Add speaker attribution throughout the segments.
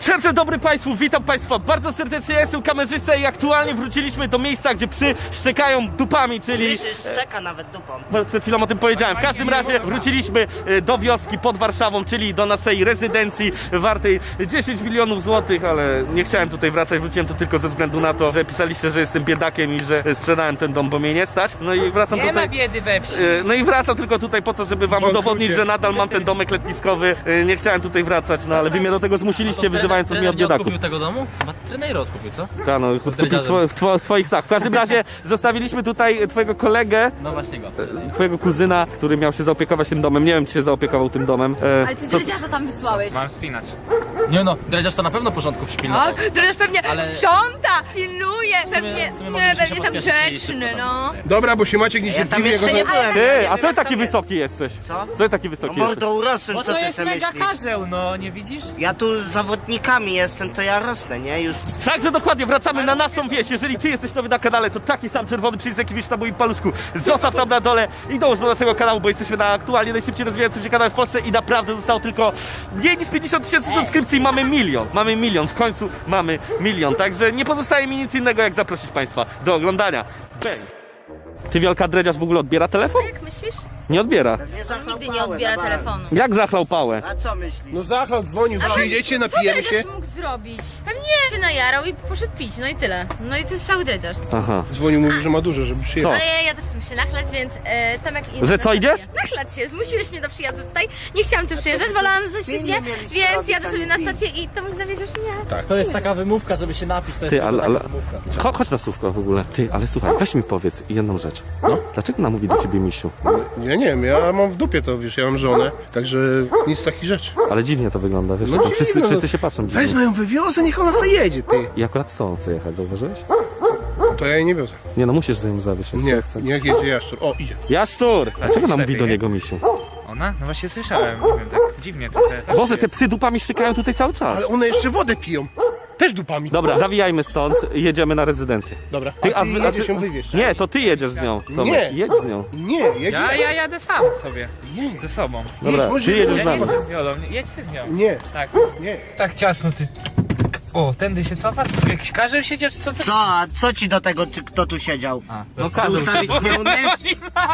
Speaker 1: Dzień dobry Państwu, witam Państwa bardzo serdecznie, ja jestem kamerzysta i aktualnie wróciliśmy do miejsca, gdzie psy szczekają dupami, czyli...
Speaker 2: Szczeka nawet dupą.
Speaker 1: Przed chwilą o tym powiedziałem. W każdym razie wróciliśmy do wioski pod Warszawą, czyli do naszej rezydencji wartej 10 milionów złotych, ale nie chciałem tutaj wracać, wróciłem tu tylko ze względu na to, że pisaliście, że jestem biedakiem i że sprzedałem ten dom, bo mnie nie stać. No i wracam
Speaker 3: Nie
Speaker 1: tutaj...
Speaker 3: ma biedy we wsi.
Speaker 1: No i wracam tylko tutaj po to, żeby wam udowodnić, że nadal mam ten domek letniskowy. Nie chciałem tutaj wracać, no ale wy mnie do tego zmusiliście, wyzywając mnie od biedaków.
Speaker 4: Kupił tego domu? Chyba trener odkupił, co?
Speaker 1: Tak, no, w twoich snach. W każdym razie zostawiliśmy tutaj twojego kolegę,
Speaker 4: No właśnie go.
Speaker 1: twojego kuzyna, który miał się zaopiekować tym domem. Nie wiem, czy się zaopiekował tym domem.
Speaker 5: Ale ty dredziarza tam wysłałeś.
Speaker 3: Mam spinać.
Speaker 4: Nie no, dredziarz to na pewno porządku przypilnował.
Speaker 5: Tak, dredziarz pewnie
Speaker 4: Ale-
Speaker 5: sprząta, pilnuje, pewnie,
Speaker 4: w sumie
Speaker 5: nie,
Speaker 4: moglibyśmy
Speaker 5: pewnie
Speaker 4: się
Speaker 5: tam
Speaker 4: pospieszyć
Speaker 5: grzeczny,
Speaker 4: szybko
Speaker 5: no.
Speaker 6: Dobra, bo się Maciek
Speaker 2: Ja tam
Speaker 6: niecierpliwie
Speaker 2: jeszcze nie byłem.
Speaker 1: Ty, a co ty taki wysoki jesteś?
Speaker 2: Co?
Speaker 1: Co ty taki wysoki
Speaker 2: No
Speaker 1: jesteś?
Speaker 2: mordo urosłem,
Speaker 3: Bo
Speaker 2: co
Speaker 3: to
Speaker 2: ty
Speaker 3: jest
Speaker 2: sobie
Speaker 3: mega
Speaker 2: myślisz?
Speaker 3: karzeł, no nie widzisz?
Speaker 2: Ja tu z zawodnikami jestem, to ja rosnę, nie? Już...
Speaker 1: Także dokładnie, wracamy na naszą wieś. Jeżeli ty jesteś nowy na kanale, to taki sam czerwony przycisk, jaki widzisz na moim paluszku, zostaw tam na dole i dołóż do naszego kanału, bo jesteśmy na aktualnie najszybciej rozwijającym się kanale w Polsce i naprawdę zostało tylko mniej niż 50 000 subskrypcji i mamy milion. Mamy milion, w końcu mamy milion. Także nie pozostaje mi nic innego, jak zaprosić Państwa do oglądania. Bang. Ty, Wielka, dredziarz w ogóle odbiera telefon?
Speaker 5: Jak myślisz?
Speaker 1: Nie odbiera.
Speaker 5: On nigdy nie odbiera telefonu.
Speaker 1: Jak zachlał pałę?
Speaker 2: A co myślisz?
Speaker 6: No Zachlał dzwonił, przyjdziecie, napijemy
Speaker 5: Co
Speaker 6: się.
Speaker 5: dredziarz mógł zrobić? Pewnie się najarał i poszedł pić, no i tyle. No i to jest cały dredziarz.
Speaker 1: Aha.
Speaker 6: Dzwonił, mówił, że ma dużo, żeby przyjechać.
Speaker 1: Co?
Speaker 5: Ale ja też chcę się nachlać, więc Tomek idzie
Speaker 1: Że
Speaker 5: na
Speaker 1: co,
Speaker 5: stację.
Speaker 1: idziesz?
Speaker 5: Nachlać się, zmusiłeś mnie do przyjazdu tutaj. Nie chciałam tu przyjeżdżać, wolałam zostać nie, więc jadę sobie na stację i Tomek zawieziesz mnie.
Speaker 4: To jest taka wymówka, żeby się napić, to jest
Speaker 1: Ty,
Speaker 4: tylko
Speaker 1: ale...
Speaker 4: taka wymówka.
Speaker 1: Chodź na słówko w ogóle. Ty, ale słuchaj, weź mi powiedz jedną rzecz. No? Dlaczego ona mówi do ciebie misiu?
Speaker 6: Ja nie wiem, ja mam w dupie to, wiesz, ja mam żonę, także nic takich rzeczy.
Speaker 1: Ale dziwnie to wygląda, wiesz?
Speaker 6: No
Speaker 1: jak
Speaker 6: dziwne,
Speaker 1: wszyscy,
Speaker 6: no.
Speaker 1: wszyscy się patrzą dziwnie.
Speaker 6: Wezmę ją, wywiozę, niech ona sobie jedzie, ty.
Speaker 1: I akurat z tobą chcę jechać, zauważyłeś?
Speaker 6: To ja jej nie wiozę.
Speaker 1: Nie no, musisz za nim zawieźć.
Speaker 6: Nie, niech jedzie Jaszczur. O, idzie.
Speaker 1: Jaszczur! Dlaczego ona mówi
Speaker 3: lepiej,
Speaker 1: do
Speaker 3: nie?
Speaker 1: niego misiu?
Speaker 3: Ona? No właśnie słyszałem, nie wiem, tak dziwnie trochę.
Speaker 1: Boże, te psy dupami szykają tutaj cały czas.
Speaker 6: Ale one jeszcze wodę piją. Też dupami.
Speaker 1: Dobra, zawijajmy stąd i jedziemy na rezydencję.
Speaker 6: Dobra,
Speaker 1: Ty,
Speaker 6: a ty jedziesz ją wywieźć.
Speaker 1: Nie, to ty jedziesz z nią. Tomek.
Speaker 6: Nie.
Speaker 1: Jedź z nią.
Speaker 6: Nie, jedzie.
Speaker 3: Ja jadę sam sobie.
Speaker 6: Nie.
Speaker 3: Ze sobą.
Speaker 1: Dobra,
Speaker 6: może
Speaker 1: ty jedziesz
Speaker 6: jedź,
Speaker 1: z
Speaker 3: Ja nie
Speaker 1: nami.
Speaker 3: chcę z wiolą. Jedź ty z nią.
Speaker 6: Nie,
Speaker 3: Tak.
Speaker 6: nie.
Speaker 3: Tak ciasno ty. O, tędy się cofa? Co, jakiś karzeł siedział czy co?
Speaker 2: Co? A co ci do tego, czy kto tu siedział?
Speaker 1: No
Speaker 2: Chcę ustawić nie umiesz?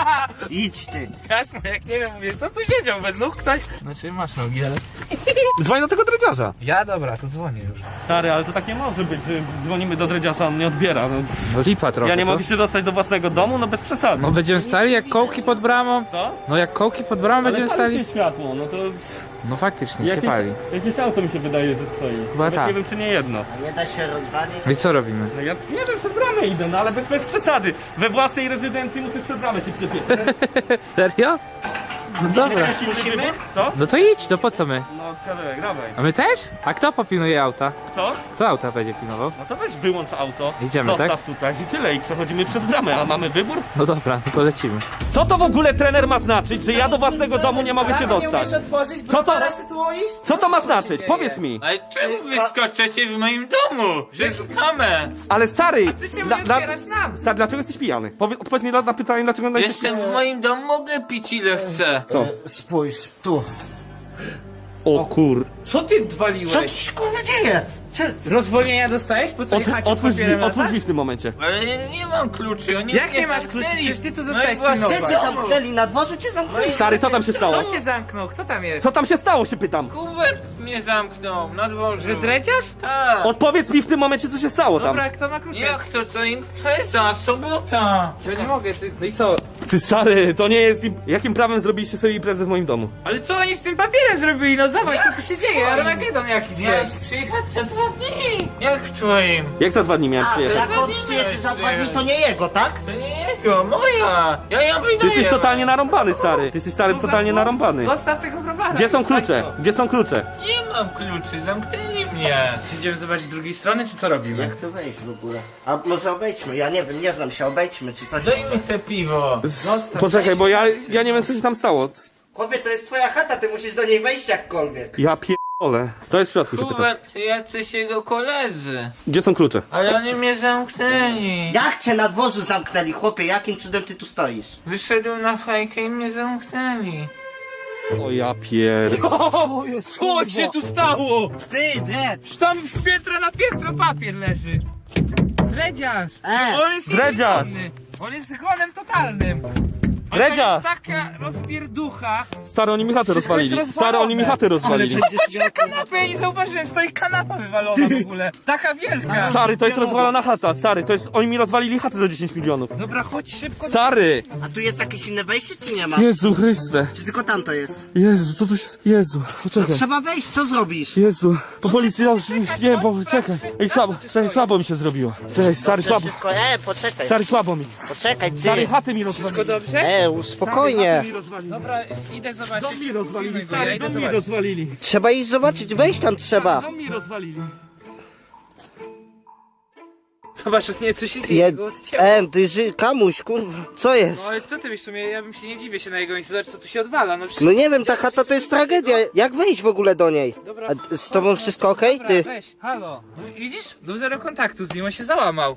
Speaker 2: Idź ty.
Speaker 3: Jasne, jak nie wiem, mówię, co tu siedział? Bez nóg ktoś? Znaczy masz nogi, ale...
Speaker 1: Dzwoń do tego dredziarza.
Speaker 3: Ja dobra, to dzwonię już.
Speaker 1: Stary, ale to tak nie może być, że dzwonimy do dredziarza, on nie odbiera. No,
Speaker 3: No lipa trochę,
Speaker 1: ja nie mogę się dostać do własnego domu, no bez przesady.
Speaker 3: No będziemy stali jak kołki pod bramą?
Speaker 1: Co?
Speaker 3: No jak kołki pod bramą będziemy
Speaker 1: Ale pali
Speaker 3: stali?
Speaker 1: się światło, no to...
Speaker 3: No faktycznie się pali.
Speaker 1: Jakieś auto mi się wydaje, że stoi.
Speaker 3: Chyba
Speaker 1: Nawet
Speaker 3: tak.
Speaker 1: nie wiem, czy nie jedno.
Speaker 2: Nie da się rozwalić?
Speaker 3: No i co robimy?
Speaker 1: No ja nie wiem, przed bramę idę, no ale bez przesady. We własnej rezydencji muszę przed bramę się przepieć.
Speaker 3: Serio? No dobra.
Speaker 1: Jakiś inny wybór? Co?
Speaker 3: No to idź, no po co my?
Speaker 1: No kawałek, dawaj.
Speaker 3: A my też? A kto popilnuje auta?
Speaker 1: Co?
Speaker 3: Kto auta będzie pilnował?
Speaker 1: No to weź wyłącz auto.
Speaker 3: Idziemy,
Speaker 1: zostaw tutaj i tyle i przechodzimy przez bramę, a mamy wybór?
Speaker 3: No dobra, no to lecimy.
Speaker 1: Co to w ogóle trener ma znaczyć, że ja do własnego domu nie mogę się dostać? Co to ma znaczyć? Powiedz mi.
Speaker 7: Ale czemu wyskoczycie w moim domu? Szukamy!
Speaker 1: Ale stary,
Speaker 3: Ty czemu nie otwierasz nam?
Speaker 1: stary, dlaczego jesteś pijany? Odpowiedz mi na pytanie, dlaczego jesteś
Speaker 7: Jestem w moim domu, mogę pić ile chcę.
Speaker 1: Co?
Speaker 2: Spójrz, tu.
Speaker 1: O kur...
Speaker 3: Co ty
Speaker 2: Co
Speaker 3: odwaliłeś?
Speaker 2: ci się kurwa dzieje? Czy...
Speaker 3: Rozwolnienia dostałeś? Po co jechacie z papierem
Speaker 1: Otwórz drzwi w tym momencie.
Speaker 7: Ale nie mam kluczy, oni
Speaker 3: Jak
Speaker 7: mnie
Speaker 3: nie masz kluczy?
Speaker 7: zamknęli.
Speaker 3: Przecież ty tu
Speaker 7: No
Speaker 3: zostałeś
Speaker 7: i właśnie-
Speaker 3: pilnować.
Speaker 2: Gdzie cię zamknęli? Na dworzu cię zamknęli?
Speaker 1: Stary, co tam się stało?
Speaker 3: Kto cię zamknął? Kto tam jest?
Speaker 1: Co tam się stało, się pytam?
Speaker 7: Kubek mnie zamknął na dworzu.
Speaker 3: Że dredziarz?
Speaker 7: Tak.
Speaker 1: Odpowiedz mi w tym momencie, co się stało tam.
Speaker 3: Dobra, kto ma klucze?
Speaker 7: Jak to co impreza? Sobota!
Speaker 3: Ja nie mogę, ty... No i co?
Speaker 1: Ty stary, to nie jest... Jakim prawem zrobiliście sobie imprezę w moim domu?
Speaker 3: Ale co oni z tym papierem zrobili? No zobacz, co tu się dzieje? Armagedon jakiś
Speaker 7: Miałeś
Speaker 3: jest.
Speaker 7: przyjechać za 2 dni! Jak w twoim?
Speaker 1: Jak za 2 dni miałem
Speaker 2: A, to
Speaker 1: przyjechać?
Speaker 2: jak on przyjedzie za 2 dni, to nie jego, tak?
Speaker 7: To nie jego, moja! Ja ją wydaję!
Speaker 1: Ty jesteś totalnie narąbany, stary. Ty jesteś stary totalnie narąbany.
Speaker 3: Zostaw tego browara.
Speaker 1: Gdzie są
Speaker 3: Zostań
Speaker 1: klucze?
Speaker 3: to.
Speaker 1: Gdzie są klucze?
Speaker 7: Nie mam kluczy, zamknęli mnie!
Speaker 3: Idziemy zobaczyć z drugiej strony, czy co robimy?
Speaker 2: Jak to wejść w ogóle? A może obejdźmy, ja nie wiem, nie znam się, obejdźmy czy coś
Speaker 7: Daj
Speaker 2: może.
Speaker 7: mi te piwo!
Speaker 1: Poczekaj, bo ja nie wiem, co się tam stało.
Speaker 2: Chłopie, to jest twoja chata, ty musisz do niej wejść jakkolwiek.
Speaker 1: Ja pierdolę. To jest w środku, się pytam.
Speaker 7: Kubek, jacyś jego koledzy.
Speaker 1: Gdzie są klucze?
Speaker 7: Ale oni mnie zamknęli.
Speaker 2: Jak cię na dworzu zamknęli, chłopie, jakim cudem ty tu stoisz?
Speaker 7: Wyszedłem na fajkę i mnie zamknęli.
Speaker 1: O ja pier...
Speaker 3: Co się tu stało?
Speaker 2: Ty, nie!
Speaker 3: Tam z piętra na piętro papier leży. Dredziarz. On jest
Speaker 1: Dredziarz.
Speaker 3: nieprzytomny. On jest zgonem totalnym. A
Speaker 1: Dredziarz.
Speaker 3: to jest taka rozpierducha.
Speaker 1: Stary, oni mi chatę
Speaker 3: Wszystko jest
Speaker 1: rozwalili. Stary, oni mi chatę rozwalili.
Speaker 3: Patrz na kanapę, ja nie zauważyłem, stoi kanapa wywalona w ogóle. Taka wielka.
Speaker 1: Stary, to jest rozwalona chata, stary, to jest... Oni mi rozwalili chatę za 10 milionów.
Speaker 3: Dobra, chodź szybko.
Speaker 1: Stary!
Speaker 2: A tu jest jakieś inne wejście, czy nie ma?
Speaker 1: Jezu Chryste.
Speaker 2: Czy tylko tam to jest?
Speaker 1: Jezu, co tu się... Jezu, poczekaj.
Speaker 2: Trzeba wejść, co zrobisz?
Speaker 1: Jezu, po policji, ja już nie, bo czekaj. Ej, słabo mi się zrobiło. Czekaj, stary, słabo.
Speaker 2: Wszystko, poczekaj.
Speaker 1: Stary, słabo mi.
Speaker 2: Poczekaj,
Speaker 1: Stary,
Speaker 2: ty.
Speaker 1: chaty mi rozwalili.
Speaker 3: Wszystko dobrze?
Speaker 2: Spokojnie.
Speaker 3: Dobra, idę zobaczyć.
Speaker 1: Dom mi rozwalili,
Speaker 3: Ja
Speaker 1: stary,
Speaker 3: idę
Speaker 1: dom mi
Speaker 3: zobaczyć.
Speaker 1: rozwalili.
Speaker 2: Trzeba iść zobaczyć, wejść tam trzeba.
Speaker 1: Dom mi rozwalili.
Speaker 3: Zobacz, nie, co się dzieje, go odcięło.
Speaker 2: Kamuś, kurwa, co jest?
Speaker 3: No ale co ty wiesz, w sumie ja bym się nie dziwię się na jego miejscu, zobacz co tu się odwala, no przecież...
Speaker 2: No nie wiem, ta chata to jest tragedia. Jak wejść w ogóle do niej?
Speaker 3: Dobra.
Speaker 2: A z tobą wszystko okej?
Speaker 3: Dobra,
Speaker 2: Ty?
Speaker 3: weź, halo, no, widzisz? Był zero kontaktu z nim, on się załamał.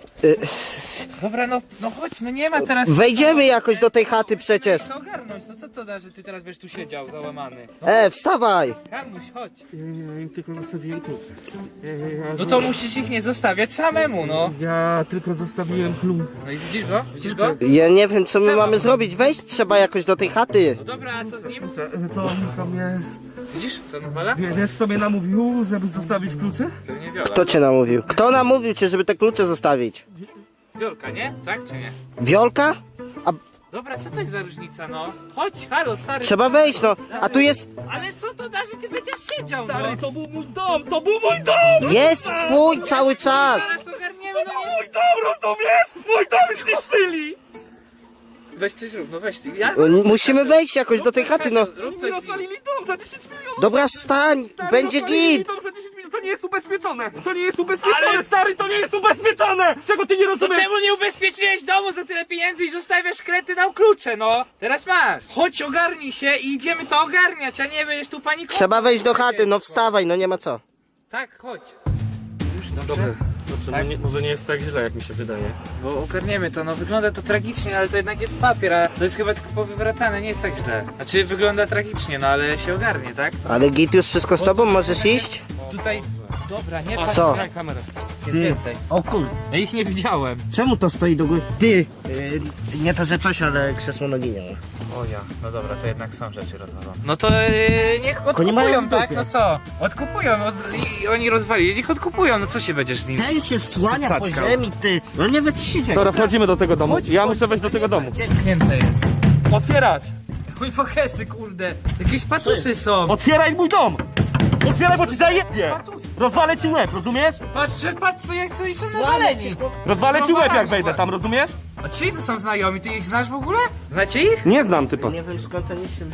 Speaker 3: Dobra, no chodź, no nie ma teraz...
Speaker 2: Wejdziemy jakoś do tej chaty przecież.
Speaker 3: Co ogarnąć, no co to da, że ty teraz będziesz tu siedział, załamany? No,
Speaker 2: Wstawaj.
Speaker 3: Kamuś, chodź.
Speaker 1: Ja tylko zostawiłem klucze.
Speaker 3: No to musisz ich nie zostawiać samemu, no.
Speaker 1: Ja tylko zostawiłem klucz.
Speaker 3: No i widzisz go? Widzisz go?
Speaker 2: Ja nie wiem, co my mamy zrobić. Wejść trzeba jakoś do tej chaty.
Speaker 3: No dobra, a co z nim?
Speaker 1: To mnie...
Speaker 3: Widzisz, co nawala?
Speaker 1: Wiesz, kto mnie namówił, żeby zostawić klucze?
Speaker 3: Pewnie Wiola.
Speaker 2: Kto cię namówił? Kto namówił cię, żeby te klucze zostawić?
Speaker 3: Wiolka, nie? Tak czy nie?
Speaker 2: Wiolka?
Speaker 3: Dobra, co to jest za różnica, no? Chodź, halo, stary.
Speaker 2: Trzeba wejść, no. A tu jest...
Speaker 3: Ale co to da, że ty będziesz siedział, no?
Speaker 1: Stary, to był mój dom, to był mój dom!
Speaker 2: Jest twój cały czas.
Speaker 3: Zaraz ogarniemy, no nie...
Speaker 1: Mój dom, rozumiesz? Mój dom zniszczyli!
Speaker 3: Weź coś rób, no weź. Ja...
Speaker 2: Musimy wejść jakoś do tej chaty, no.
Speaker 3: Rób
Speaker 1: Mi
Speaker 3: coś.
Speaker 1: rozwalili dom za 10 milionów!
Speaker 2: Dobra, wstań.
Speaker 1: Stary,
Speaker 2: Będzie
Speaker 1: rozwalili
Speaker 2: git.
Speaker 1: dom za 10 milionów, to nie jest ubezpieczone! To nie jest ubezpieczone, stary, to nie jest ubezpieczone! Czego ty nie
Speaker 3: To
Speaker 1: rozumiesz?
Speaker 3: czemu nie ubezpieczyłeś domu za tyle pieniędzy i zostawiasz kretynał klucze, no? Teraz masz. Chodź, ogarnij się i idziemy to ogarniać, a nie będziesz tu panikował.
Speaker 2: Trzeba wejść do chaty, no wstawaj, no nie ma co.
Speaker 3: Tak, chodź. Już,
Speaker 1: Dobrze,
Speaker 3: dobrze.
Speaker 1: no może nie jest tak źle, jak mi się wydaje.
Speaker 3: Bo ogarniemy to, no wygląda to tragicznie, ale to jednak jest papier, a to jest chyba tylko powywracane, nie jest tak źle. Znaczy wygląda tragicznie, no ale się ogarnie, tak?
Speaker 2: Ale git już wszystko z tobą, możesz iść?
Speaker 3: Tutaj, dobra, nie patrz,
Speaker 2: Co?
Speaker 3: daj kamerę. Jest więcej.
Speaker 2: O kur...
Speaker 3: Ja ich nie widziałem.
Speaker 2: Czemu to stoi do góry? Ty! Nie to, że coś, ale krzesło nogi nie ma.
Speaker 3: O ja, no dobra, to jednak są rzeczy rozwalone. No to niech
Speaker 2: Oni mają
Speaker 3: odkupują,
Speaker 2: w
Speaker 3: tak?
Speaker 2: dupie.
Speaker 3: No co? Odkupują, i oni rozwalili, niech odkupują, no co się będziesz z nim?
Speaker 2: Ten się słania po
Speaker 3: Cackał.
Speaker 2: ziemi, ty! No nie wie co się dzieje.
Speaker 1: Dobra, wchodzimy do tego domu. Ja muszę wejść do tego domu.
Speaker 3: Zamknięte jest.
Speaker 1: Otwierać!
Speaker 3: Mój fokesy, kurde. Jakieś patusy są.
Speaker 1: Otwieraj mój dom! Otwieraj, bo ci zajebie!
Speaker 3: Patusy.
Speaker 1: Rozwalę ci łeb, rozumiesz?
Speaker 3: Patrz, co jak co i są
Speaker 2: Słania
Speaker 3: nawaleni.
Speaker 2: się, chłop...
Speaker 1: Rozwalę ci łeb, jak wejdę tam, rozumiesz?
Speaker 3: A czyj to są znajomi? Ty ich znasz w ogóle? Znacie ich?
Speaker 1: Nie znam typa.
Speaker 2: Nie wiem skąd oni się...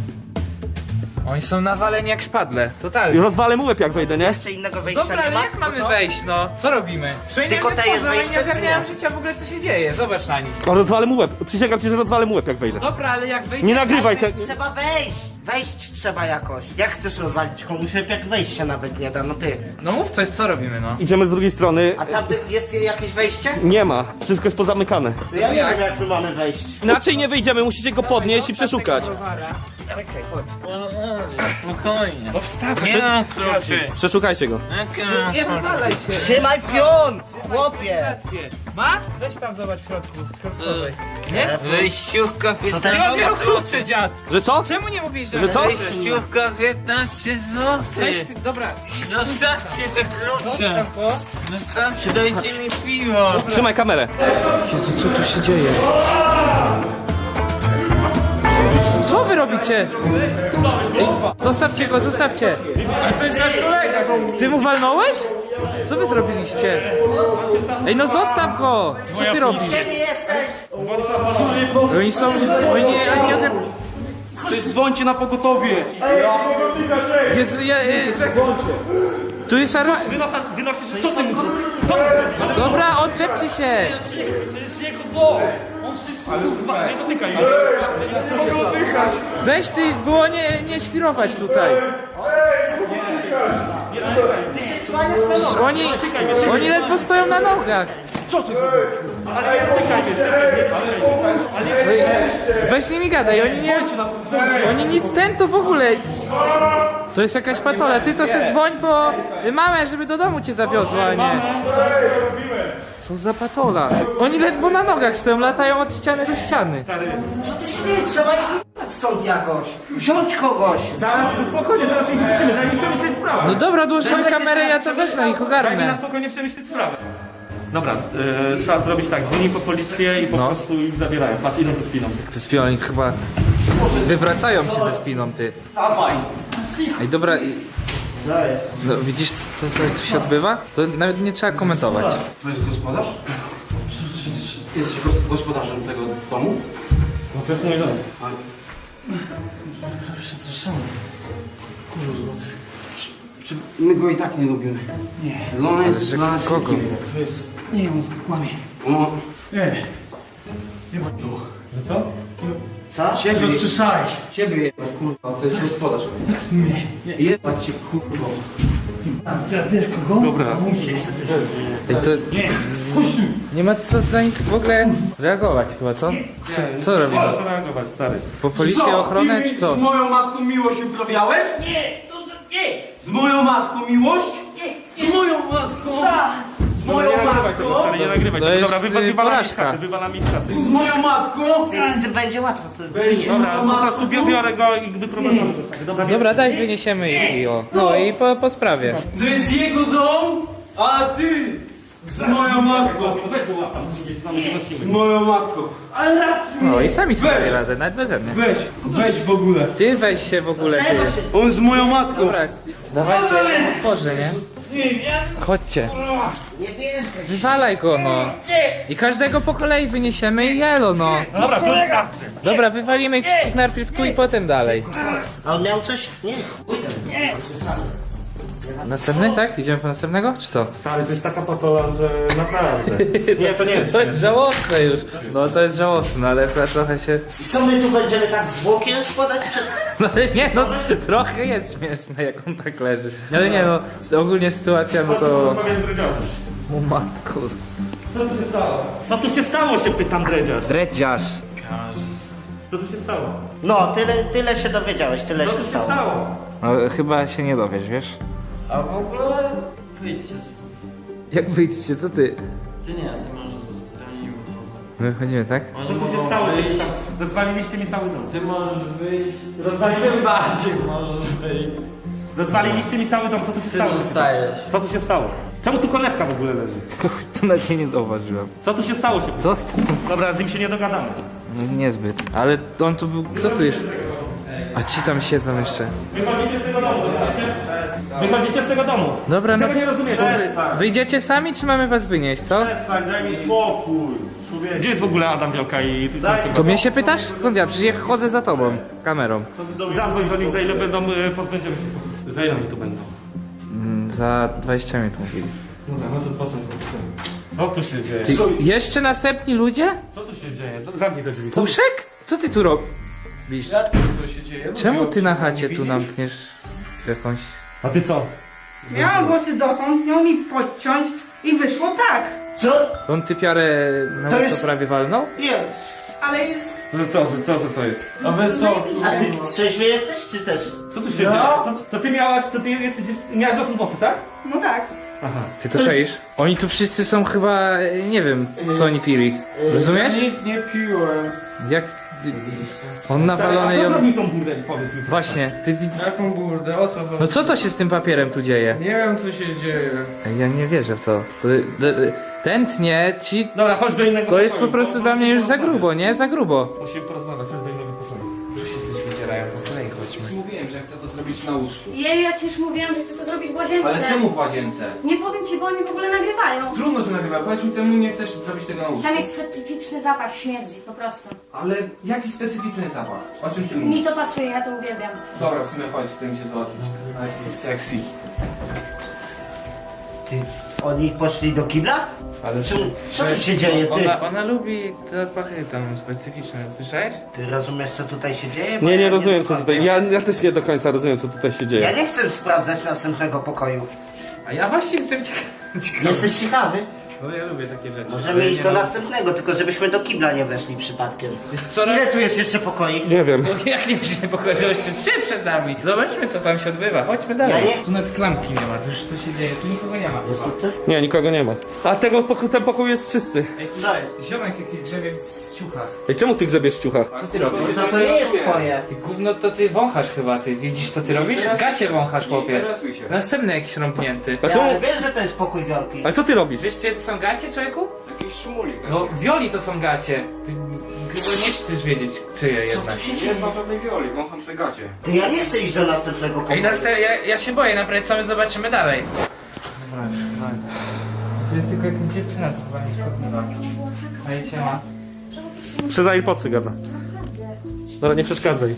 Speaker 3: Oni są nawaleni jak szpadle, totalnie.
Speaker 1: Rozwalę mu łeb, jak wejdę, nie?
Speaker 2: Jeszcze innego wejścia
Speaker 3: Dobra,
Speaker 2: nie
Speaker 3: ale
Speaker 2: ma?
Speaker 3: jak
Speaker 2: Tylko
Speaker 3: mamy
Speaker 2: to?
Speaker 3: wejść, no? Co robimy?
Speaker 2: Tylko te jest
Speaker 3: nie
Speaker 2: wejście, czy
Speaker 3: ogarniają
Speaker 2: nie?
Speaker 3: życia w ogóle, co się dzieje. Zobacz na nich.
Speaker 1: Rozwalę mu łeb. Przysięgam ci, że rozwalę mu łeb, jak wejdę.
Speaker 3: Dobra, ale jak wejdzie...
Speaker 1: Nie nagrywaj te...
Speaker 2: Trzeba wejść! Wejść trzeba jakoś. Jak chcesz rozwalić komuś łeb, jak wejść się nawet nie da, no ty.
Speaker 3: No mów coś, co robimy, no?
Speaker 1: Idziemy z drugiej strony.
Speaker 2: A tam jest jakieś wejście?
Speaker 1: Nie ma. Wszystko jest pozamykane.
Speaker 2: To ja nie wiem jak my mamy wejść.
Speaker 1: Inaczej nie wyjdziemy, musicie go podnieść i przeszukać.
Speaker 3: Czekaj, chodź.
Speaker 7: Spokojnie.
Speaker 3: No wstawaj.
Speaker 7: Nie mam kluczy.
Speaker 1: Przeszukajcie go.
Speaker 3: Nie wywalaj się.
Speaker 2: Trzymaj pion! Chłopie!
Speaker 3: Rację. Ma? Weź tam zobacz w środku. środkowej. Jest?
Speaker 7: Wejściówka
Speaker 2: to
Speaker 7: 15
Speaker 3: Nie mam wielu kluczy, dziad.
Speaker 1: Że co?
Speaker 3: Czemu nie mówisz, że...
Speaker 1: Że co?
Speaker 7: Wejściówka 15 zł.
Speaker 3: Weź ty, dobra.
Speaker 7: Zostawcie te klucze.
Speaker 3: Zostaw go.
Speaker 7: Zostawcie, dajcie mi piwo.
Speaker 1: Trzymaj kamerę.
Speaker 3: Jezu, co tu się dzieje? Co wy robicie? Ej, zostawcie go, zostawcie. Ale to jest nasz kolega. Ty mu walnąłeś? Co wy zrobiliście? Ej, no zostaw go! Co ty robisz?
Speaker 2: Gdzie jesteś?
Speaker 3: Oni są... Oni nie...
Speaker 1: Dzwońcie na pogotowie.
Speaker 3: Jezu, tu jest ara...
Speaker 1: Wynosisz, co ty mówisz?
Speaker 3: Dobra, odczepcie się!
Speaker 1: Nie dotykaj.
Speaker 3: Weź ty, było nie świrować tutaj. Oni ledwo stoją na nogach.
Speaker 1: ale nie dotykaj mnie.
Speaker 3: Weź z nimi gadaj, oni nic to w ogóle. To jest jakaś patola, ty to se dzwoń po mamę, żeby do domu cię zawiozła, a nie. Co za patola? Oni ledwo na nogach stoją, latają od ściany do ściany.
Speaker 2: Co tu się dzieje? Trzeba ich wyjechać stąd jakoś. Wziąć kogoś.
Speaker 1: Zaraz, spokojnie, zaraz ich wrzucimy, daj mi przemyśleć sprawę.
Speaker 3: No dobra, dłóż tą kamerę, ja to wezmę ich
Speaker 1: Daj mi na
Speaker 3: ogarnę.
Speaker 1: spokojnie przemyśleć sprawę. Dobra, trzeba zrobić tak, dzwoni po policję i po prostu ich zabierają. Patrz, idą ze spiną.
Speaker 3: Ze spiną, oni chyba wywracają się ze spiną, ty. Ej, dobra, no, widzisz co tu się odbywa? To nawet nie trzeba komentować.
Speaker 8: To jest gospodarz? Jesteś gospodarzem tego domu?
Speaker 1: No to jest mój dom.
Speaker 8: Przepraszam. Kurwa. My go i tak nie lubimy. Nie. Lona jest
Speaker 3: że
Speaker 8: dla nas
Speaker 3: kogo?
Speaker 8: nikim. To jest... Nie, on kłamie. No. Nie ma było.
Speaker 1: Że co?
Speaker 2: Co?
Speaker 8: Ciebie słyszałeś. Ciebie jebać, kurwa. To jest gospodarz. Nie. Jebać cię, kurwa.
Speaker 1: Dobra.
Speaker 3: Ej, to nie ma co za nich w ogóle reagować chyba, co? Co robimy?
Speaker 1: Co reagować, stary?
Speaker 3: Po policję, ochronę czy co?
Speaker 8: Z moją matką miłość uprawiałeś? Nie, to nie. Z moją matką miłość? Nie. Z moją matką? Z moją matką?
Speaker 1: Stary, nie nagrywaj
Speaker 3: To
Speaker 1: tego.
Speaker 3: jest,
Speaker 1: Dobra, wywalamy
Speaker 3: porażka.
Speaker 1: chaty, wywalamy chaty.
Speaker 8: Z moją matką?
Speaker 2: Z tym będzie łatwo. To...
Speaker 8: Weź
Speaker 1: Dobra, po prostu biorę go i wyprowadzamy. Dobra,
Speaker 3: Dobra, daj, wyniesiemy ich i o. No i po sprawie.
Speaker 8: To jest jego dom, a ty z moją matką.
Speaker 1: weź go łapam,
Speaker 8: Z moją matką.
Speaker 3: No i sami sobie dają radę, nawet beze mnie.
Speaker 8: Weź w ogóle.
Speaker 3: Ty weź się w ogóle, ty.
Speaker 8: On z moją matką.
Speaker 3: Dobra, dawajcie, otworzę, nie? Chodźcie.
Speaker 2: Nie bierzesz.
Speaker 3: Wywalaj go, no. I każdego po kolei wyniesiemy i jelo, no.
Speaker 1: Dobra, wystarczy.
Speaker 3: Dobra, wywalimy ich wszystkich najpierw tu i potem dalej.
Speaker 2: A on miał coś? Nie.
Speaker 3: Następny, tak? Idziemy po następnego, czy co?
Speaker 1: Stary, to jest taka patola, że naprawdę. Nie, to nie jest.
Speaker 3: To jest żałosne już. No to jest żałosne, ale chyba trochę się...
Speaker 2: Co my tu będziemy tak zwłokiem składać?
Speaker 3: No ale nie, no trochę jest śmieszne, jak on tak leży. Ale nie, no ogólnie sytuacja, no to...
Speaker 1: Rozmawiam z dredziarzem.
Speaker 3: O matko.
Speaker 1: Co tu się stało? Co tu się stało, się pytam dredziarz.
Speaker 3: Dredziarz.
Speaker 1: Co tu się stało?
Speaker 2: No, tyle się dowiedziałeś, tyle
Speaker 1: Co
Speaker 2: się
Speaker 1: tu się
Speaker 2: stało.
Speaker 1: stało?
Speaker 3: No chyba się nie dowiesz, wiesz?
Speaker 4: A w ogóle wyjdźcie stąd.
Speaker 3: Jak wyjdziecie, co ty?
Speaker 4: Ty nie, ty możesz zostać. Oni nie muszą.
Speaker 3: My wychodzimy, tak?
Speaker 1: Co
Speaker 4: Oni
Speaker 1: tu się
Speaker 4: mogą
Speaker 1: stało, się
Speaker 4: wyjść.
Speaker 1: pytam? Rozwaliliście mi cały dom.
Speaker 4: Ty możesz wyjść.
Speaker 1: Rozwaliliście
Speaker 4: Tym bardziej możesz wyjść.
Speaker 1: Rozwaliliście mi cały dom, co tu się
Speaker 4: Ty
Speaker 1: stało?
Speaker 4: zostajesz.
Speaker 1: Co tu się stało? Czemu tu konewka w ogóle leży?
Speaker 3: To nawet nie zauważyłem.
Speaker 1: Co tu się stało, się pytam?
Speaker 3: Zostaw to.
Speaker 1: Dobra, z nim się nie dogadamy.
Speaker 3: No, niezbyt. Ale on tu był... Kto tu jest? A ci tam siedzą jeszcze.
Speaker 1: Wychodzicie z tego domu, rozumiecie? Wychodzicie z tego domu.
Speaker 3: Dobra, no...
Speaker 1: Czego nie rozumiecie?
Speaker 3: Wyjdziecie sami, czy mamy was wynieść, co?
Speaker 8: Daj mi spokój.
Speaker 1: Gdzie jest w ogóle Adam Wielka i...
Speaker 3: To mnie się pytasz? Skąd ja? Przecież ja chodzę za tobą. Kamerą.
Speaker 1: Zadzwoń do nich, za ile będą, pozbędziemy się. Za ile oni tu będą?
Speaker 3: Za 20 minut mówili.
Speaker 1: Dobra, no to po co? Co tu się dzieje?
Speaker 3: Ty, jeszcze następni ludzie?
Speaker 1: Co tu się dzieje? Zamknij te drzwi.
Speaker 3: Puszek? Co ty tu robisz?
Speaker 8: Co się dzieje?
Speaker 3: Czemu ty na chacie tu nam tniesz jakąś...
Speaker 1: A ty co?
Speaker 9: Miałam włosy dotąd, miał mi podciąć i wyszło tak.
Speaker 2: Co?
Speaker 3: On typiarę na
Speaker 2: To
Speaker 3: to
Speaker 2: jest-
Speaker 3: prawie walnął?
Speaker 2: Nie.
Speaker 9: Ale jest...
Speaker 1: Że co jest?
Speaker 8: A wy co?
Speaker 2: A ty trzeźwy jesteś, czy też?
Speaker 1: Co tu się dzieje? To ty miałaś, miałaś dotąd włosy, tak?
Speaker 9: No tak.
Speaker 3: Ty to szeisz? Oni tu wszyscy są chyba... nie wiem, co oni pili. Rozumiesz?
Speaker 8: Nic nie piłem.
Speaker 3: Jak... On nawalony
Speaker 1: A co
Speaker 3: ją...
Speaker 1: zrobił tą burdę, powiedz mi.
Speaker 3: Właśnie, ty widz...
Speaker 8: Jaką burdę? O co chodzi?
Speaker 3: No co to się z tym papierem tu dzieje?
Speaker 8: Nie wiem co się dzieje.
Speaker 3: Ej, ja nie wierzę w to. Ten tnie ci...
Speaker 1: Dobra, chodź do innego
Speaker 3: To jest po
Speaker 1: pokoju,
Speaker 3: prostu
Speaker 1: bo
Speaker 3: dla mnie już za
Speaker 1: porozmawiać.
Speaker 3: grubo, nie? Za grubo.
Speaker 1: Musimy porozmawiać, chodź do innego pokoju.
Speaker 3: Wydzierają po kolei, chodźmy.
Speaker 8: Mówiłem, że chcę to zrobić na łóżku.
Speaker 5: Jej, ja ci już mówiłam, że chcę to zrobić w łazience.
Speaker 8: Ale czemu w łazience?
Speaker 5: Nie powiem ci, bo oni w ogóle nagrywają.
Speaker 8: Trudno, że nagrywa. Powiedz mi, czemu nie chcesz zrobić tego na łóżku?
Speaker 5: Tam jest specyficzny zapach śmierdzi, po prostu.
Speaker 8: Ale jaki specyficzny zapach? O czym ty
Speaker 5: Mi
Speaker 8: mówisz?
Speaker 5: to pasuje, ja to uwielbiam.
Speaker 8: Dobra, w sumie chodź, chcę mi się załatwić. Nice, sexy.
Speaker 2: Ty, oni poszli do kibla?
Speaker 3: Ale
Speaker 2: Co tu się dzieje, ty?
Speaker 3: Ona lubi zapachy tam specyficzne, słyszałeś?
Speaker 2: Ty rozumiesz, co tutaj się dzieje? Bo
Speaker 1: Nie
Speaker 2: ja
Speaker 1: rozumiem co
Speaker 2: mam
Speaker 1: tutaj.
Speaker 2: pojęcia.
Speaker 1: Ja też nie do końca rozumiem co tutaj się
Speaker 2: Ja
Speaker 1: dzieje.
Speaker 2: nie chcę sprawdzać następnego pokoju.
Speaker 3: A ja właśnie jestem ciekawy.
Speaker 2: Jesteś ciekawy?
Speaker 3: No ja lubię takie rzeczy.
Speaker 2: Możemy iść do następnego, tylko żebyśmy do kibla nie weszli przypadkiem.
Speaker 3: Jest coraz...
Speaker 2: Ile tu jest jeszcze pokoi?
Speaker 1: Nie wiem.
Speaker 3: No jak nie się pokoju, jeszcze 3 przed nami. Zobaczmy co tam się odbywa, chodźmy dalej.
Speaker 2: Ja nie-
Speaker 3: Tu nawet klamki nie ma, to już co się dzieje, tu nikogo nie ma.
Speaker 2: Jest tu ktoś?
Speaker 1: Nie, nikogo nie ma. A ten pokój jest czysty.
Speaker 3: Ej, tu
Speaker 2: Co jest?
Speaker 3: ziomek jakiś grzebie w ciuchach.
Speaker 1: Ej, czemu ty grzebiesz w ciuchach?
Speaker 3: Co ty robisz?
Speaker 2: No to nie jest twoje.
Speaker 3: Ty gówno to ty wąchasz chyba, ty widzisz co ty robisz? Gacie wąchasz, chłopie. Następny jakiś rąbnięty.
Speaker 1: A czemu?
Speaker 2: Ale wiesz, że to jest pokój Wiolki.
Speaker 1: Ale co ty robisz?
Speaker 3: Wiesz gdzie to są gacie, człowieku? Jakiś szumulik. No wioli to są gacie. Ty chyba nie chcesz wiedzieć czyje jednak.
Speaker 7: Nie znam żadnej wioli, wącham se gacie.
Speaker 2: Ty, ja nie chcę iść do następnego
Speaker 3: Ej,
Speaker 2: pokoju.
Speaker 3: ja się boję, naprawdę co my zobaczymy dalej. Dobra, to jest tylko jakaś dziewczyna, co chyba nie szkodliwa. Ej, siema.
Speaker 1: Przez AirPodsy gada. Dobra, nie przeszkadzaj.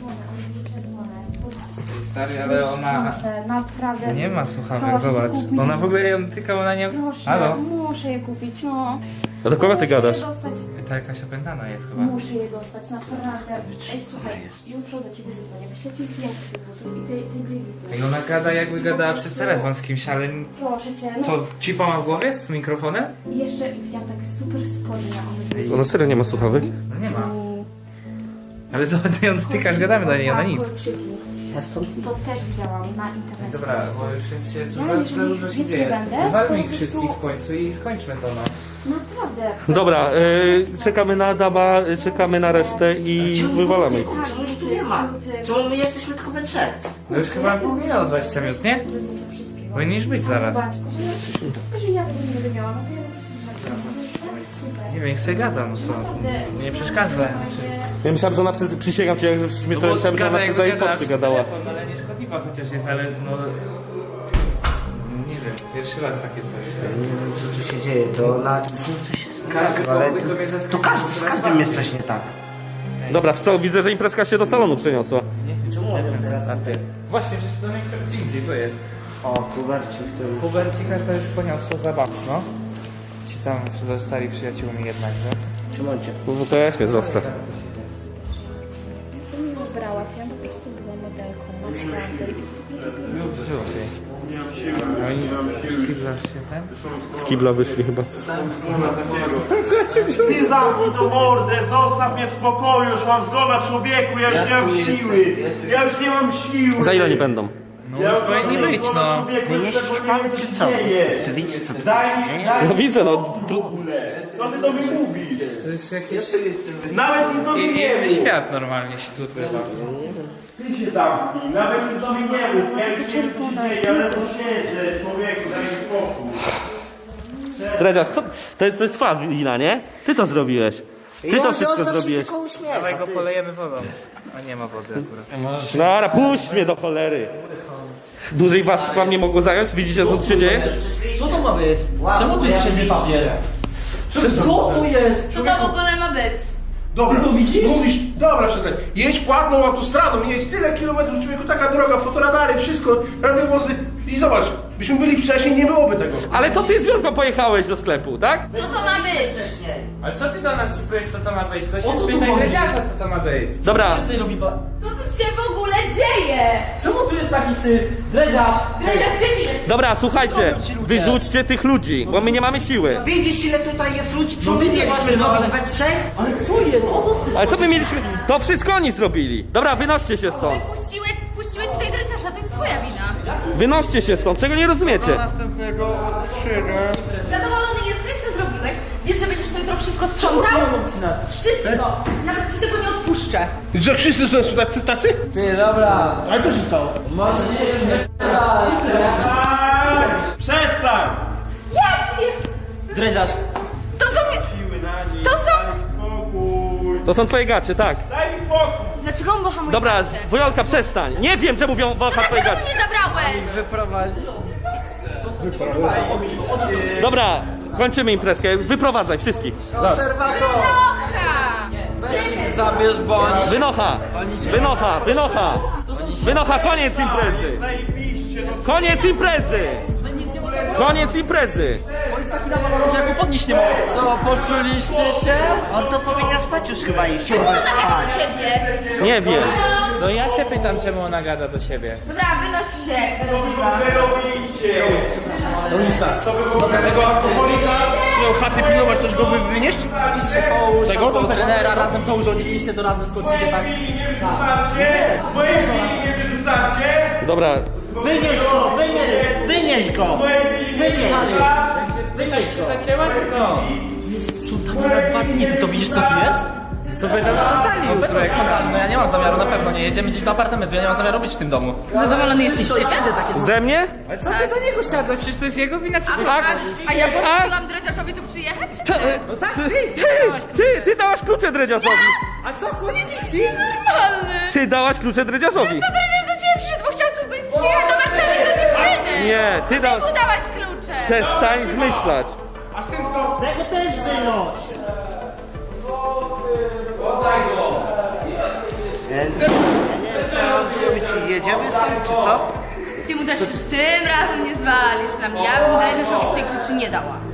Speaker 3: Stary, ale ona...
Speaker 9: Naprawdę.
Speaker 3: Nie ma słuchawek,
Speaker 9: Proszę,
Speaker 3: zobacz.
Speaker 9: kup mi.
Speaker 3: Ona w ogóle ją tyka, ona nie...
Speaker 9: Proszę,
Speaker 3: Halo?
Speaker 9: muszę je kupić, no.
Speaker 1: A do kogo ty gadasz?
Speaker 9: Muszę je dostać.
Speaker 3: Ta jakaś opętana jest chyba.
Speaker 9: Muszę je dostać, naprawdę. Ej, słuchaj, jutro do ciebie zadzwonię. Wyślę ci zdjęcie tych butów i tej bielizy.
Speaker 3: Ej, ona gada jakby gadała przez telefon z kimś, ale...
Speaker 9: Proszę cię, no.
Speaker 3: To chipa ma w głowie z mikrofonem?
Speaker 9: I jeszcze widziałam takie super spodnie. One były...
Speaker 1: Ona serio nie ma słuchawek?
Speaker 3: No nie ma. Ale zobacz, ty ją dotykasz, gadamy do niej, ona nic.
Speaker 9: Kolczyki.
Speaker 2: Ja stąd
Speaker 9: To też widziałam na internecie.
Speaker 3: Dobra, bo już jest się...
Speaker 9: Ja
Speaker 3: Tu
Speaker 9: jeżeli
Speaker 3: za dużo się
Speaker 9: więcej
Speaker 3: dzieje.
Speaker 9: będę,
Speaker 3: Wywalmy
Speaker 9: to
Speaker 3: ich
Speaker 9: po
Speaker 3: wszystkich
Speaker 9: prostu-
Speaker 3: w końcu i skończmy to, no.
Speaker 9: Naprawdę.
Speaker 1: Dobra, czekamy na Adama, czekamy na resztę i wywalamy ich.
Speaker 2: Czemu ich tu nie ma? Czemu my jesteśmy tylko we trzech?
Speaker 3: No już chyba minęło 20 minut, nie? Powinieneś być zaraz.
Speaker 9: Zobacz, że ja tego nie będę miała, no to ja po prostu to jest tak super.
Speaker 3: Nie wiem, jak sobie gada, no co? Nie przeszkadza.
Speaker 1: Ja myślałem, że ona przysięgam cię, jak żeś mnie to myślałem, że ona przez AirPodsy gadała.
Speaker 3: Ale nie szkodliwa chociaż jest, ale no... Nie wiem, pierwszy raz takie coś.
Speaker 2: Nie wiem, co tu się dzieje, to ona... Coś jest tak, ale
Speaker 3: pokój to mnie zaskoczył.
Speaker 2: to każdy, z każdym jest coś nie tak.
Speaker 1: Dobra, w co? Widzę, że imprezka się do salonu przeniosła.
Speaker 2: Czemu on teraz na ty?
Speaker 3: Właśnie, przecież to mnie gdzie indziej, co jest?
Speaker 2: O, Kubercik to już...
Speaker 3: Hubercika to już poniosło za mocno. Ci tam zostali przyjaciółmi jednakże.
Speaker 2: Czemu on cię?
Speaker 1: No to weź mnie zostaw.
Speaker 9: To mi ubrała, to ja po prostu była modelką, naprawdę.
Speaker 1: Z kibla wyszli chyba.
Speaker 8: Ty zamknij tą mordę, zostaw mnie w spokoju, już mam zgoda człowieku, ja już nie mam siły. Ja już nie mam siły.
Speaker 1: Za ile oni będą?
Speaker 8: Ja już
Speaker 3: powinni
Speaker 8: mam
Speaker 3: być,
Speaker 8: zgoda
Speaker 3: no.
Speaker 8: człowieku,
Speaker 2: My
Speaker 8: już
Speaker 2: nie
Speaker 8: tego
Speaker 2: ściskamy,
Speaker 8: wiem,
Speaker 2: czy
Speaker 8: się
Speaker 2: co?
Speaker 8: dzieje.
Speaker 2: Ty widzisz, co tu
Speaker 8: Daj
Speaker 1: No
Speaker 8: mi
Speaker 1: widzę, no.
Speaker 8: w ogóle. Co ty do mnie mówisz?
Speaker 3: To jest jakiś
Speaker 8: Nawet nic do mnie nie
Speaker 3: inny
Speaker 8: mów.
Speaker 3: świat normalnie się tu odbywa.
Speaker 8: Ty się zamknij, nawet nic do mnie nie mów. Ja już nie wiem, co się dzieje, ale to siedzę, człowieku, daj mi spokój.
Speaker 1: Dredziarz, to jest twoja wina, nie? Ty to zrobiłeś. Ty to wszystko
Speaker 2: on to się
Speaker 1: zrobiłeś.
Speaker 2: tylko uśmiecha,
Speaker 3: Dawaj go
Speaker 2: ty.
Speaker 3: polejemy wodą. A nie ma wody akurat.
Speaker 1: Dobra, puść mnie do cholery. Dłużej was wam nie mogło zająć? Widzicie, co tu się dzieje?
Speaker 8: Co to ma być? Czemu tu jest wszędzie papier? Co tu jest?
Speaker 5: Co to w ogóle ma być?
Speaker 6: Dobra, to widzisz? Mówisz, dobra, przestań. Jedź płatną autostradą, jedź tyle kilometrów, człowieku, taka droga, fotoradary, wszystko, radiowozy. I zobacz, byśmy byli wcześniej, nie byłoby tego.
Speaker 1: Ale to ty z Wielką pojechałeś do sklepu, tak?
Speaker 5: Co to ma być?
Speaker 3: Ale co ty do nas powiesz, co to ma być? To się spytaj Gredziarza, co to ma być.
Speaker 1: Dobra,
Speaker 5: Co tu się w ogóle dzieje?
Speaker 8: Czemu tu jest taki syf? Dreziarz!
Speaker 5: Dredziarz, gdzie ty jesteś?
Speaker 1: dobra, słuchajcie. Wyrzućcie tych ludzi, bo my nie mamy siły.
Speaker 2: Widzisz, ile tutaj jest ludzi, co my mieliśmy zrobić we trzech?
Speaker 8: Ale co jest?
Speaker 1: Ale co my mieliśmy? To wszystko oni zrobili. Dobra, wynoście się stąd.
Speaker 5: Puściłeś tutaj Dredziarza, to jest twoja wina.
Speaker 1: Wynoście się stąd, czego nie rozumiecie?
Speaker 5: Zadowolony jesteś, co zrobiłeś? Wiesz, że będziesz to jutro wszystko sprzątał? Wszystko! Nawet ci tego nie odpuszczę.
Speaker 6: Że wszyscy są tacy?
Speaker 8: Ty, dobra.
Speaker 6: Ale co się stało?
Speaker 8: Może się Przestań!
Speaker 5: Jak jest?
Speaker 8: Dreziarz.
Speaker 5: To są... To są...
Speaker 8: Spokój.
Speaker 1: To są twoje gacie, tak.
Speaker 8: Daj mi spokój.
Speaker 5: Dlaczego on boha moje
Speaker 1: Dobra,
Speaker 5: gacie?
Speaker 1: Wojolka, przestań. Nie wiem, czemu wącha twoje
Speaker 5: Dlaczego
Speaker 1: gacie.
Speaker 5: mu nie zabrałeś?
Speaker 1: Dobra, kończymy imprezkę. Wyprowadzaj wszystkich.
Speaker 8: Konserwator.
Speaker 5: Trochę!
Speaker 8: Weź ich zabierz bądź.
Speaker 1: Wynocha! Wynocha! Wynocha! Wynocha! Koniec imprezy!
Speaker 8: Zajebiście, no
Speaker 1: Koniec imprezy! Koniec imprezy!
Speaker 8: że ja go podnieść nie mogę. Co, poczuliście się?
Speaker 2: On to powinien spać już chyba iść.
Speaker 5: Czemu ona gada do siebie?
Speaker 1: Nie wiem.
Speaker 3: No ja się pytam, czemu ona gada do siebie.
Speaker 5: Dobra, wynoś się, Beretywa.
Speaker 8: Wy robicie. Co wy w ogóle tego alkoholika?
Speaker 6: miał chaty pilnować, to już go wymieniesz?
Speaker 8: Idźcie połóż,
Speaker 6: Tego?
Speaker 8: tego trenera, razem to urządziliście, to razem skoczycie tak.
Speaker 1: Dobra,
Speaker 2: Wynieś go, wynieś go! Wynieś go!
Speaker 3: Zacięła czy co?
Speaker 8: Jest sprzątanie na 2 dni, ty to widzisz co tu jest?
Speaker 3: To będą sprzątali
Speaker 8: No
Speaker 3: już.
Speaker 8: będą sprzątali, no ja nie mam zamiaru, na pewno nie jedziemy gdzieś do apartamentu, ja nie mam zamiaru być w tym domu.
Speaker 5: Zadowolony jesteś z siebie?
Speaker 8: Wszędzie takie
Speaker 1: ze mnie?
Speaker 3: Ale co ty do niego siadłeś? Przecież to jest jego wina.
Speaker 5: A ja pozwoliłam dredziarzowi tu przyjechać?
Speaker 3: No tak, ty!
Speaker 1: Ty dałaś klucze dredziarzowi!
Speaker 3: A co, kuźnici?
Speaker 5: Normalny!
Speaker 1: Ty dałaś klucze dredziarzowi!
Speaker 5: To dredziarz do ciebie przyszedł, bo chciał tu być. Przyjechał do Warszawy do dziewczyny!
Speaker 1: Nie, ty
Speaker 5: Ty
Speaker 1: dałaś...
Speaker 5: mu dałaś klucze!
Speaker 1: Przestań zmyślać!
Speaker 6: A z tym co?
Speaker 2: Tego też wynoś! Ja nie wiem, co mam zrobić. Jedziemy z tym, czy co?
Speaker 5: Ty mu też tym razem nie zwalisz na mnie. Ja bym dredziarzowi tej kluczy nie dała.